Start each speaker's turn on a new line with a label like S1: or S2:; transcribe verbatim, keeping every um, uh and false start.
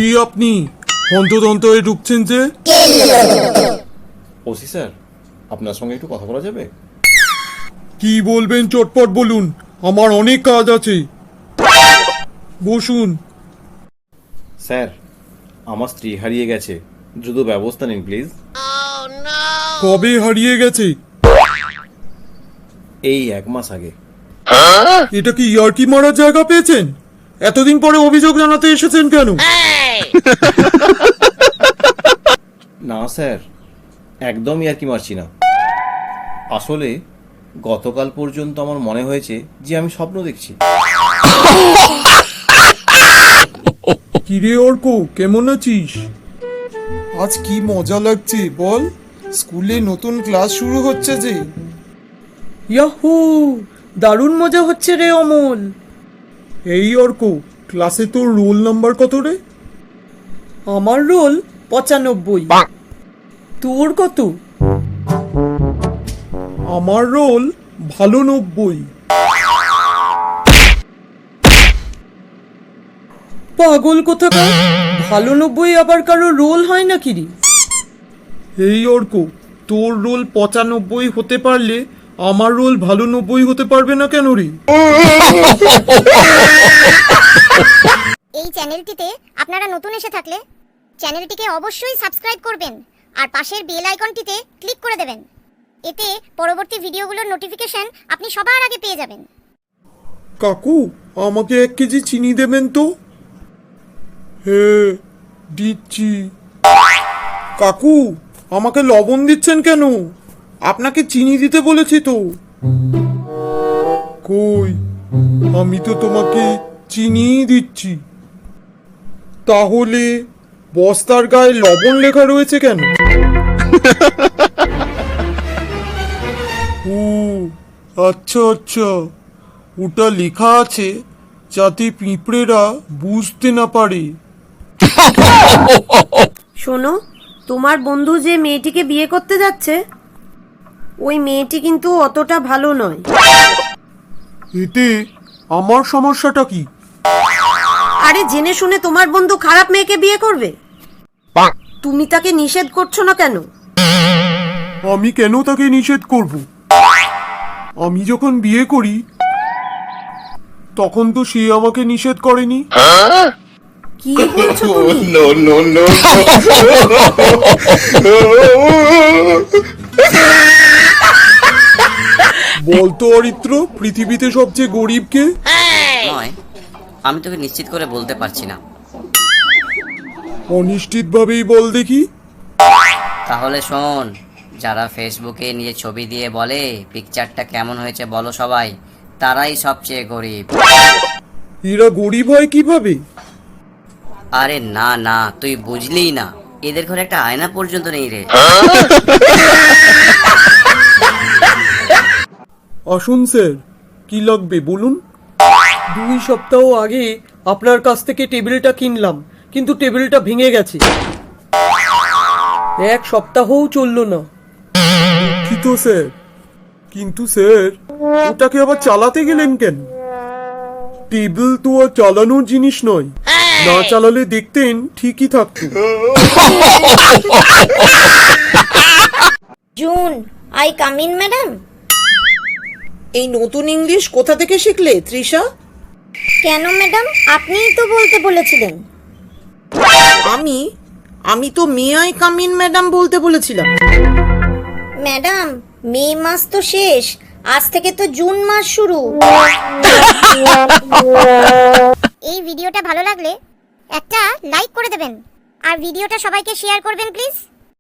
S1: কি আপনি হন্তদন্ত হয়ে ঢুকছেন যে?
S2: ওসি স্যার, আপনার সঙ্গে একটু কথা বলা যাবে?
S1: কি বলবেন চটপট বলুন, আমার অনেক কাজ আছে। বসুন।
S2: স্যার, আমার স্ত্রী হারিয়ে গেছে, দ্রুত ব্যবস্থা নিন প্লিজ।
S1: কবে হারিয়ে গেছে?
S2: এই এক মাস আগে।
S1: এটা কি ইয়ার্কি মারার জায়গা পেয়েছেন? এতদিন পরে অভিযোগ জানাতে এসেছেন কেন?
S2: না স্যার, একদমই আর কি মারছি না। আসলে গতকাল পর্যন্ত আমার মনে হয়েছে যে আমি স্বপ্ন দেখছি।
S1: কিরে অর্ক, কেমন আছিস? আজ কি মজা লাগছে বল, স্কুলে নতুন ক্লাস শুরু হচ্ছে যে।
S3: ইয়াহু, দারুণ মজা হচ্ছে রে অমল।
S1: এই অর্ক, ক্লাসে তোর রোল নাম্বার কত রে?
S3: আমার রোল পঁচানব্বই। তোর কত?
S1: আমার রোল ভালো নব্বই।
S3: পাগল কোথাকার, ভালো নব্বই আবার কারো রোল হয় নাকি রে?
S1: এই অর্ক, তোর রোল পঁচানব্বই হতে পারলে আমার রোল ভালো নব্বই হতে পারবে না কেন রে?
S4: এই চ্যানেলটিতে আপনারা নতুন এসে থাকলে চ্যানেলটিকে অবশ্যই সাবস্ক্রাইব করবেন আর পাশের বেল আইকনটিতে ক্লিক করে দেবেন। এতে পরবর্তী ভিডিওগুলোর নোটিফিকেশন আপনি সবার আগে পেয়ে যাবেন।
S1: কাকু, আমাকে এক কেজি চিনি দেবেন তো? হ্যাঁ, দিচ্ছি। কাকু, আমাকে লবণ দিচ্ছেন কেন? আপনাকে চিনি দিতে বলেছি তো। কই, আমি তো তোমাকে চিনিই দিচ্ছি। তাহলে বস্তার গায়ে লবণ লেখা রয়েছে কেন? ও আচ্ছা আচ্ছা, ওটা লেখা আছে যাতে পিঁপড়েরা বুঝতে না পারে।
S5: শোনো, তোমার বন্ধু যে মেয়েটিকে বিয়ে করতে যাচ্ছে, ওই মেয়েটি কিন্তু অতটা ভালো নয়।
S1: এতে আমার সমস্যাটা কি?
S5: আরে জেনে শুনে তোমার বন্ধু খারাপ মেয়েকে বিয়ে করবে? তুমি তাকে নিষেধ করছো না কেন?
S1: আমি কেন তাকে নিষেধ করব? আমি যখন বিয়ে করি তখন তো সে আমাকে নিষেধ করেনি।
S5: কি বলছো তুমি?
S1: বলতো অরিত্র, পৃথিবীতে সবচেয়ে গরিব কে?
S6: নয়, আমি তোকে নিশ্চিত করে বলতে পারছি না।
S1: অনিশ্চিত ভাবেই বল দেখি।
S6: তাহলে শোন, যারা ফেসবুকে নিয়ে ছবি দিয়ে বলে পিকচারটা কেমন হয়েছে বলো সবাই, তারাই সবচেয়ে গরিব।
S1: এরা গরিব হয় কিভাবে?
S6: আরে না না, তুই বুঝলি না, এদের ঘরে একটা আয়না পর্যন্ত নেই রে।
S1: আসুন স্যার, কি লাগবে বলুন।
S3: দুই সপ্তাহ আগে আপনার কাছ থেকে টেবিলটা কিনলাম, কিন্তু টেবিলটা ভেঙে গেছে। এক সপ্তাহও চললো না।
S1: দুঃখিত স্যার, কিন্তু স্যার ওটাকে আবার চালাতে গেলেন কেন? টেবিল তো আর চালানোর জিনিস নয়, না চালালে দেখতেন ঠিকই থাকতো।
S4: জুন, আই কাম ইন ম্যাডাম?
S3: এই নতুন ইংলিশ কোথা থেকে শিখলে তৃষা?
S4: কেন ম্যাডাম, আপনিই তো বলতে বলেছিলেন।
S3: আমি আমি তো may I come in madam বলতে বলেছিলাম।
S4: ম্যাডাম, মে মাস তো শেষ, আজ থেকে তো জুন মাস শুরু। এই ভিডিওটা ভালো লাগলে একটা লাইক করে দেবেন আর ভিডিওটা সবাইকে শেয়ার করবেন প্লিজ।